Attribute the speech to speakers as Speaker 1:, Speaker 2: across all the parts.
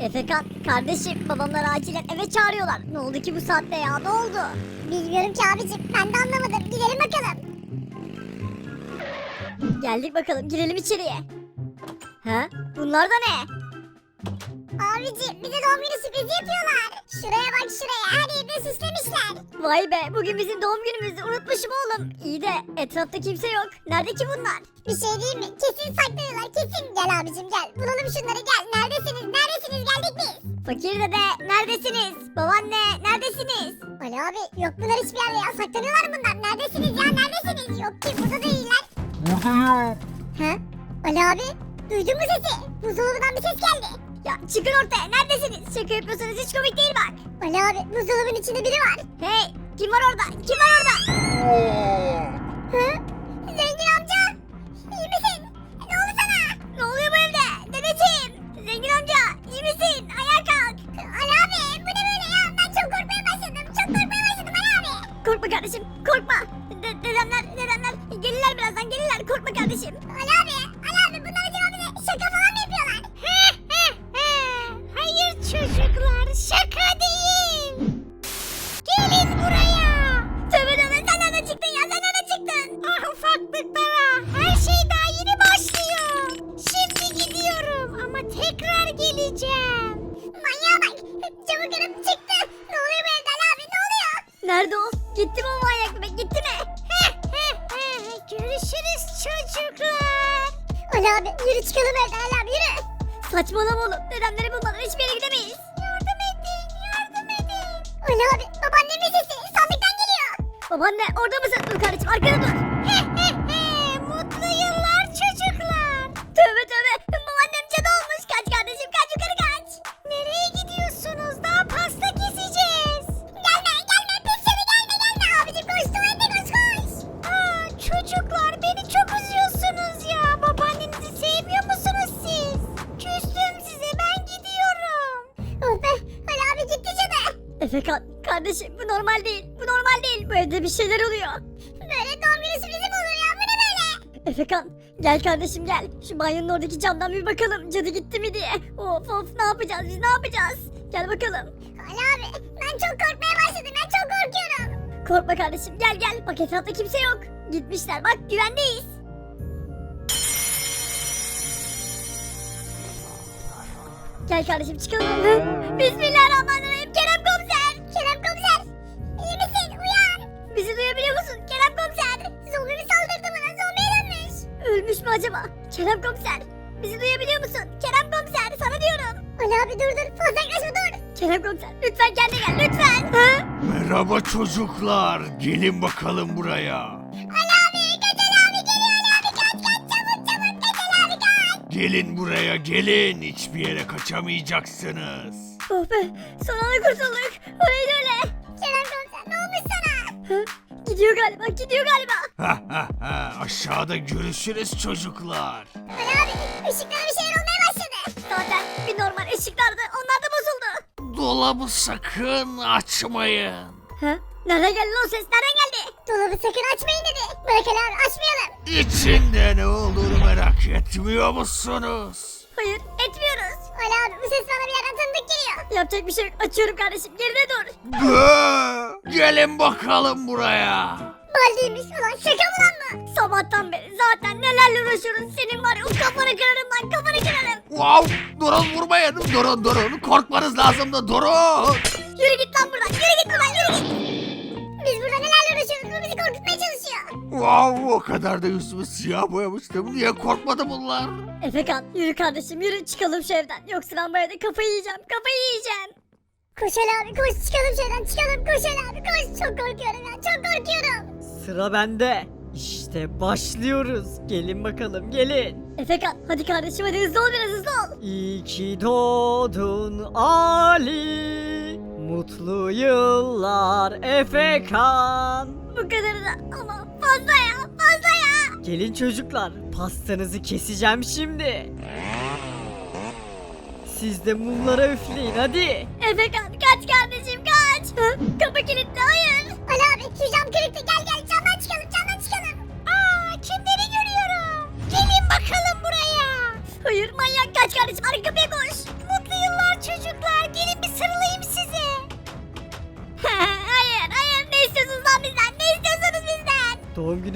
Speaker 1: Efekan kardeşim babamlar acilen eve çağırıyorlar. Ne oldu ki bu saatte ya, ne oldu?
Speaker 2: Bilmiyorum ki abicim, ben de anlamadım. Gidelim bakalım.
Speaker 1: Geldik bakalım, girelim içeriye. Ha? Bunlar da ne?
Speaker 2: Abicim, bize doğum günü sürprizi yapıyorlar. Şuraya bak, şuraya, her yerini süslemişler.
Speaker 1: Vay be, bugün bizim doğum günümüzü unutmuşum oğlum. İyi de etrafta kimse yok. Nerede ki bunlar?
Speaker 2: Bir şey değil mi? Kesin saklıyorlar, kesin. Gel abicim gel, bulalım şunları, gel. Neredesiniz, neredesiniz, geldik biz.
Speaker 1: Fakir dede neredesiniz? Babaanne neredesiniz?
Speaker 2: Ali abi, yok bunlar hiçbir yerde ya, saklanıyorlar bunlar. Neredesiniz ya, neredesiniz? Yok ki, burada değiller.
Speaker 3: Buradayım.
Speaker 2: Ha? Ali abi, duydun mu sesi? Buzdolabından bir ses geldi.
Speaker 1: Ya çıkın ortaya, neredesiniz? Şaka yapıyorsanız hiç komik değil bak.
Speaker 2: Ali abi, buzdolabının içinde biri var.
Speaker 1: Hey, kim var orada? Kim var orada?
Speaker 2: Hı? Zengin amca, iyi misin? Ne oldu sana?
Speaker 1: Ne oluyor bu evde? Dedeciğim, zengin amca, iyi misin? Ayağa kalk.
Speaker 2: Ali abi, bu ne böyle ya? Ben çok korkmaya başladım. Çok korkmaya başladım Ali abi.
Speaker 1: Korkma kardeşim, korkma. Dedemler gelirler birazdan, gelirler. Korkma kardeşim.
Speaker 2: Ali abi bunlar acaba bize şaka falan mı yapıyorlar?
Speaker 1: Hayır çocuklar, şaka değil. Gelin buraya. Tövbe tövbe, sen nereden çıktın ya, sen nereden çıktın? Ah ufaklıklara, her şey daha yeni başlıyor. Şimdi gidiyorum ama tekrar geleceğim.
Speaker 2: Manyağa bak, camı kırıp çıktı. Ne oluyor bu evde Ali abi, ne oluyor?
Speaker 1: Nerede o? Gitti mi o manyak bebek, gitti mi? Görüşürüz çocuklar.
Speaker 2: Ali abi, yürü çıkalım evden Ali abi, yürü.
Speaker 1: Saçmalama oğlum, dedemleri bulmadan hiçbir yere gidemeyiz. Yardım edin, yardım edin.
Speaker 2: Ali abi, babaannemin sesi sandıktan geliyor.
Speaker 1: Babaanne orada mısın? Dur kardeşim, arkada dur. Mutlu yıllar çocuklar. Tövbe tövbe, babaannem cadı olmuş. Kaç kardeşim, kaç yukarı kaç. Nereye gidiyorsunuz? Daha pasta keseceğiz.
Speaker 2: Gelme, pis seni gelme. Abicim koş, tuvalete koş.
Speaker 1: Aa, çocuklar beni çok üzüyorsunuz ya. Babaannenizi sevmiyor musunuz siz? Küstüm size, ben gidiyorum.
Speaker 2: Oh be, Ali abi gitti cadı.
Speaker 1: Efekan kardeşim, bu normal değil. Bu normal değil. Bu evde bir şeyler oluyor.
Speaker 2: Böyle doğum günü sürprizi mi olur ya, bu ne böyle?
Speaker 1: Efekan gel kardeşim gel. Şu banyonun oradaki camdan bir bakalım. Cadı gitti mi diye. Of ne yapacağız biz, ne yapacağız? Gel bakalım.
Speaker 2: Ali abi, ben çok korkmaya başladım, ben çok korkuyorum.
Speaker 1: Korkma kardeşim, gel. Bak etrafta kimse yok. Gitmişler, bak güvendeyiz. Gel kardeşim çıkalım. Hı? Bismillahirrahmanirrahim. Kerem komiser.
Speaker 2: İyi misin? Uyan.
Speaker 1: Bizi duyabiliyor musun? Kerem komiser.
Speaker 2: Zombi mi saldırdı bana? Zombiye dönmüş.
Speaker 1: Ölmüş mü acaba? Kerem komiser. Bizi duyabiliyor musun? Kerem komiser, sana diyorum.
Speaker 2: Ali abi dur. Fazla yaklaşma dur.
Speaker 1: Kerem komiser lütfen kendine gel lütfen. Hı?
Speaker 3: Merhaba çocuklar. Gelin bakalım buraya.
Speaker 2: Ali abi kaç, Ali abi geliyor. Ali abi kaç çabuk kaç Ali abi kaç.
Speaker 3: Gelin buraya gelin. Hiçbir yere kaçamayacaksınız.
Speaker 1: Oh be, son anda kurtulduk. O neydi öyle?
Speaker 2: Kerem komiser, ne olmuş sana?
Speaker 1: Hı? Gidiyor galiba.
Speaker 3: Ha ha ha. Aşağıda görüşürüz çocuklar.
Speaker 2: Ali abi ışıklara bir şeyler olmaya başladı.
Speaker 1: Zaten bir normal ışıklardı, onlar da bozuldu.
Speaker 3: Dolabı sakın açmayın.
Speaker 1: Hı? Nereden geldi o ses, nereden geldi?
Speaker 2: Dolabı sakın açmayın dedi. Bırak Ali abi, açmayalım.
Speaker 3: İçinde ne olduğunu merak etmiyor musunuz?
Speaker 1: Hayır, etmiyoruz.
Speaker 2: Ali abi bu ses bana bir yerden tanıdık geliyor.
Speaker 1: Yapacak bir şey yok, açıyorum kardeşim, geride dur.
Speaker 3: Gelin bakalım buraya.
Speaker 2: Baldiymiş ulan, şaka mı lan bu?
Speaker 1: Sabahtan beri zaten nelerle uğraşıyoruz, senin var ya o kafanı kırarım lan, kafanı kırarım.
Speaker 3: Wow, durun vurmayın. Durun. Korkmanız lazım da durun.
Speaker 1: Yürü git lan buradan, yürü git.
Speaker 2: Biz burada nelerle uğraşıyoruz, bu bizi korkutmaya çalışıyor.
Speaker 3: Wow, o kadar da yüzümü siyah boyamıştım. Niye korkmadı bunlar?
Speaker 1: Efekan yürü kardeşim, yürü çıkalım şu evden. Yoksa ben bu evde kafayı yiyeceğim.
Speaker 2: Koş Ali abi koş, çıkalım şuradan çıkalım, koş Ali abi koş. Çok korkuyorum ya, çok korkuyorum.
Speaker 4: Sıra bende. İşte başlıyoruz. Gelin bakalım gelin.
Speaker 1: Efekan hadi kardeşim, hadi hızlı ol, biraz hızlı ol.
Speaker 4: İyi ki doğdun Ali. Mutlu yıllar Efekan.
Speaker 1: Bu kadarı da ama fazla ya.
Speaker 4: Gelin çocuklar, pastanızı keseceğim şimdi. Siz de mumlara üfleyin hadi.
Speaker 1: Efekan kaç kardeşim kaç. Hı? Kapı kilitli, hayır.
Speaker 2: Ali abi şu cam kırıktı, gel camdan çıkalım.
Speaker 1: Aa, kimleri görüyorum. Gelin bakalım buraya. Hayır manyak, kaç kardeşim, arka kapıya koş. Mutlu yıllar çocuklar.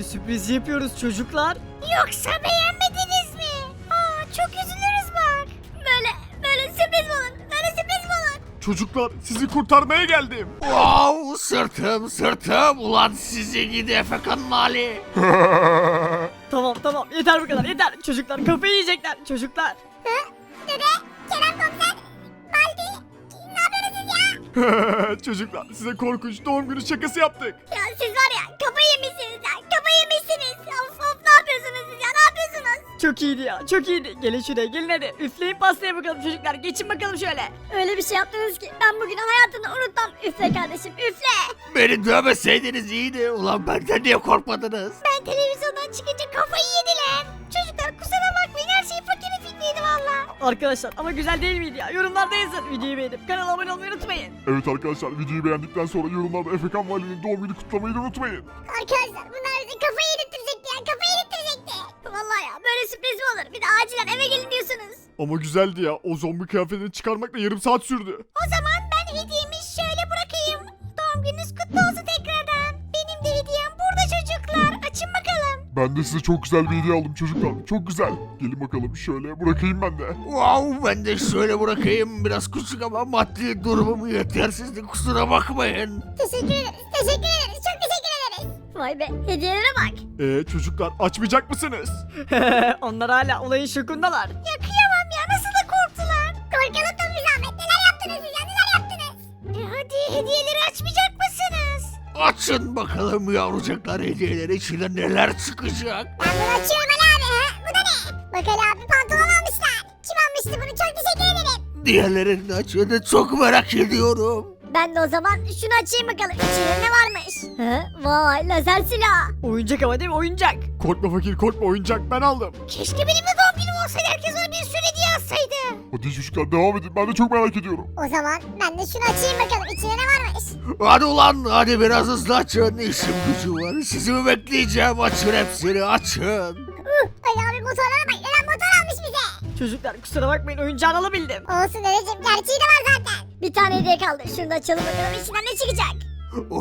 Speaker 4: sürpriz yapıyoruz çocuklar.
Speaker 1: Yoksa beğenmediniz mi? Çok üzülürüz bak. Böyle sürpriz mi olur? Böyle sürpriz mi olur?
Speaker 5: Çocuklar sizi kurtarmaya geldim.
Speaker 3: Wow, sırtım. Ulan sizi gidi Efekan'ın hali.
Speaker 4: Tamam yeter bu kadar yeter. Çocuklar kafayı yiyecekler çocuklar.
Speaker 2: Dede, Kerem komiser, Baldi, ne yapıyorsunuz siz ya?
Speaker 5: Çocuklar size korkunç doğum günü şakası yaptık.
Speaker 1: Ya siz var ya kafayı yemişsiniz ya. Kafayı yemişsiniz. Of ne yapıyorsunuz siz ya? Ne yapıyorsunuz?
Speaker 4: Çok iyiydi ya çok iyiydi. Gelin şuraya gelin hadi. Üfleyin pastaya bakalım çocuklar. Geçin bakalım şöyle.
Speaker 1: Öyle bir şey yaptınız ki ben bugün hayatımda unutmam. Üfle kardeşim üfle.
Speaker 3: Beni dövmeseydiniz iyiydi. Ulan benden niye korkmadınız?
Speaker 1: Ben televizyondan çıkınca kafayı yediler. Çocuklar kusura bakmayın her şey fakirin fikriydi valla.
Speaker 4: Arkadaşlar ama güzel değil miydi ya? Yorumlarda yazın. Videoyu beğenip kanala abone olmayı unutmayın.
Speaker 5: Evet arkadaşlar videoyu beğendikten sonra yorumlarda Efekan Vali'nin doğum günü kutlamayı da unutmayın.
Speaker 2: Arkadaşlar bunlar bize kafayı yedirtecekti ya, kafayı yedirtecekti.
Speaker 1: Vallahi ya böyle sürpriz mi olur? Bir de acilen eve gelin diyorsunuz.
Speaker 5: Ama güzeldi ya, o zombi kıyafetini çıkarmakla yarım saat sürdü.
Speaker 1: O zaman ben hediyemi şöyle bırakayım. Doğum gününüz kutlu olsun tekrardan. Benim de hediyem burada çocuklar. Açın bakalım.
Speaker 5: Ben de size çok güzel bir hediye aldım çocuklar, çok güzel. Gelin bakalım şöyle bırakayım ben de.
Speaker 3: Wow, ben de şöyle bırakayım. Biraz küçük ama maddi durumum yetersizdi. Kusura bakmayın.
Speaker 2: Teşekkür ederiz, çok teşekkür ederiz.
Speaker 1: Vay be hediyelere bak.
Speaker 5: Çocuklar açmayacak mısınız?
Speaker 4: Onlar hala olayın şokundalar.
Speaker 1: Ya kıyamam ya nasıl da korktular.
Speaker 2: Korkalım da bir zahmet, neler yaptınız siz ya, neler yaptınız?
Speaker 1: Hadi hediyeleri açmayacak mısınız?
Speaker 3: Açın bakalım yavrucaklar hediyeleri içinden neler çıkacak.
Speaker 2: Ben bunu açıyorum Ali abi, ha? Bu da ne? Bak Ali abi pantolon almışlar. Kim almıştı bunu, çok teşekkür ederim.
Speaker 3: Diğerlerini açın çok merak ediyorum.
Speaker 1: Ben de o zaman şunu açayım bakalım. İçinde ne varmış? Vay lazer silah.
Speaker 4: Oyuncak ama değil mi oyuncak?
Speaker 5: Korkma fakir korkma, oyuncak ben aldım.
Speaker 1: Keşke benim de doğum günüm olsaydı herkes ona bir sürü hediye alsaydı.
Speaker 5: Hadi çocuklar devam edin, ben de çok merak ediyorum.
Speaker 2: O zaman ben de şunu açayım bakalım, içinde ne varmış?
Speaker 3: Hadi ulan hadi biraz hızlı açın. İşim gücü var. Sizi mi bekleyeceğim? Açın hepsini açın.
Speaker 2: Ali abi motorlara bak, neden motor almış bize?
Speaker 4: Çocuklar kusura bakmayın oyuncağını alabildim.
Speaker 2: Olsun dedeciğim, gerçeği de var zaten.
Speaker 1: Bir tane hediye kaldı. Şunu da açalım bakalım içinden ne çıkacak.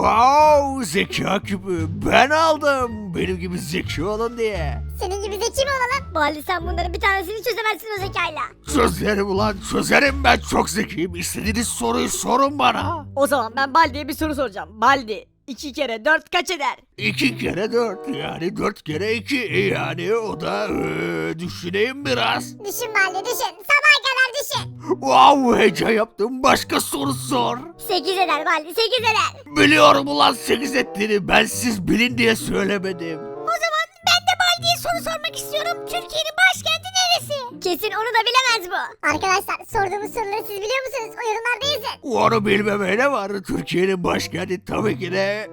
Speaker 3: Wow, zeka küpü ben aldım. Benim gibi zeki olun diye.
Speaker 2: Senin gibi zeki mi olalım?
Speaker 1: Bali sen bunların bir tanesini çözemezsin o zekayla.
Speaker 3: Çözerim ulan çözerim, ben çok zekiyim. İstediğiniz soruyu sorun bana.
Speaker 4: O zaman ben Baldi'ye bir soru soracağım. Baldi 2 kere 4 kaç eder?
Speaker 3: 2 kere 4 yani 4 kere 2 yani o da düşüneyim biraz.
Speaker 2: Düşün Baldi düşün, sabaha kadar düşün.
Speaker 3: Wow, heyecan yaptım, başka soru sor.
Speaker 1: 8 eder Bali 8 eder.
Speaker 3: Biliyorum ulan 8 ettiğini, ben siz bilin diye söylemedim.
Speaker 1: O zaman ben de Baldi'ye soru sormak istiyorum. Türkiye'nin başkenti neresi? Kesin onu da bilemez bu.
Speaker 2: Arkadaşlar sorduğumuz soruları siz biliyor musunuz? O yorumlarda yazın.
Speaker 3: Onu bilmeme ne var? Türkiye'nin başkenti tabii ki de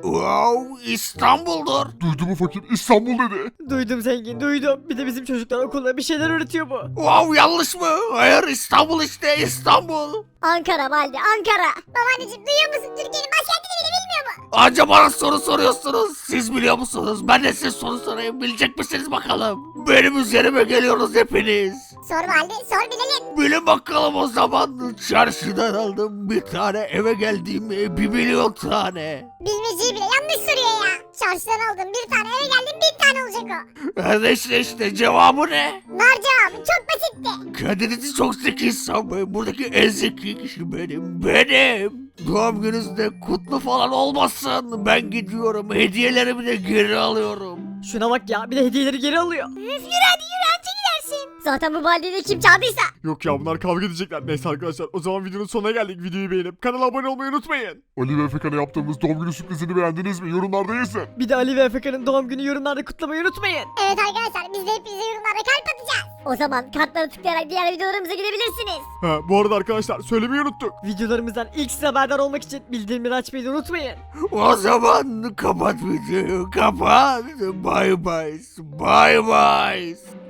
Speaker 3: İstanbul'dur.
Speaker 5: Duydu mu fakir, İstanbul dedi.
Speaker 4: Duydum zengin duydum. Bir de bizim çocuklar okulda bir şeyler öğretiyor bu.
Speaker 3: Wow, yanlış mı? Hayır, İstanbul işte, İstanbul.
Speaker 1: Ankara Baldi Ankara.
Speaker 2: Babaanneciğim duyuyor musun? Türkiye'nin başkentini bile bilmiyor mu?
Speaker 3: Anca bana soru soruyorsunuz. Siz biliyor musunuz? Ben de size soru sorayım. Bilecek misiniz bakalım? Benim üzerime geliyorsunuz hepiniz.
Speaker 2: Sor Baldi sor bilelim.
Speaker 3: Bilin bakalım o zaman. Çarşıdan aldım bir tane, eve geldiğim 1.000.000 tane.
Speaker 2: Bilmeceyi bile yanlış soruyor ya. Çarşıdan aldım bir tane, eve geldim bir tane olacak o.
Speaker 3: İşte cevabı ne?
Speaker 2: Nar cevabı çok basitti.
Speaker 3: Kendinizi çok zeki sanmayın. Buradaki en zeki kişi benim. Doğum gününüzde kutlu falan olmasın. Ben gidiyorum. Hediyelerimi de geri alıyorum.
Speaker 4: Şuna bak ya bir de hediyeleri geri alıyor.
Speaker 1: Üf, yürü hadi yürü anca gidersin. Zaten bu Baldi'yi de kim çaldıysa.
Speaker 5: Yok ya, bunlar kavga edecekler. Neyse arkadaşlar, o zaman videonun sonuna geldik. Videoyu beğenip kanala abone olmayı unutmayın. Ali ve Efekan'a yaptığımız doğum günü sürprizini beğendiniz mi? Yorumlarda yazın.
Speaker 4: Bir de Ali ve Efeka'nın doğum günü yorumlarda kutlamayı unutmayın.
Speaker 2: Evet arkadaşlar biz de hepinize yorumlarda kalp atacağız.
Speaker 1: O zaman kartlara tıklayarak diğer videolarımıza gidebilirsiniz.
Speaker 5: Ha, bu arada arkadaşlar söylemeyi unuttuk.
Speaker 4: Videolarımızdan ilk size haberdar olmak için bildirimleri açmayı da unutmayın.
Speaker 3: O zaman kapat videoyu. Kapat. Bye bye. Bye bye.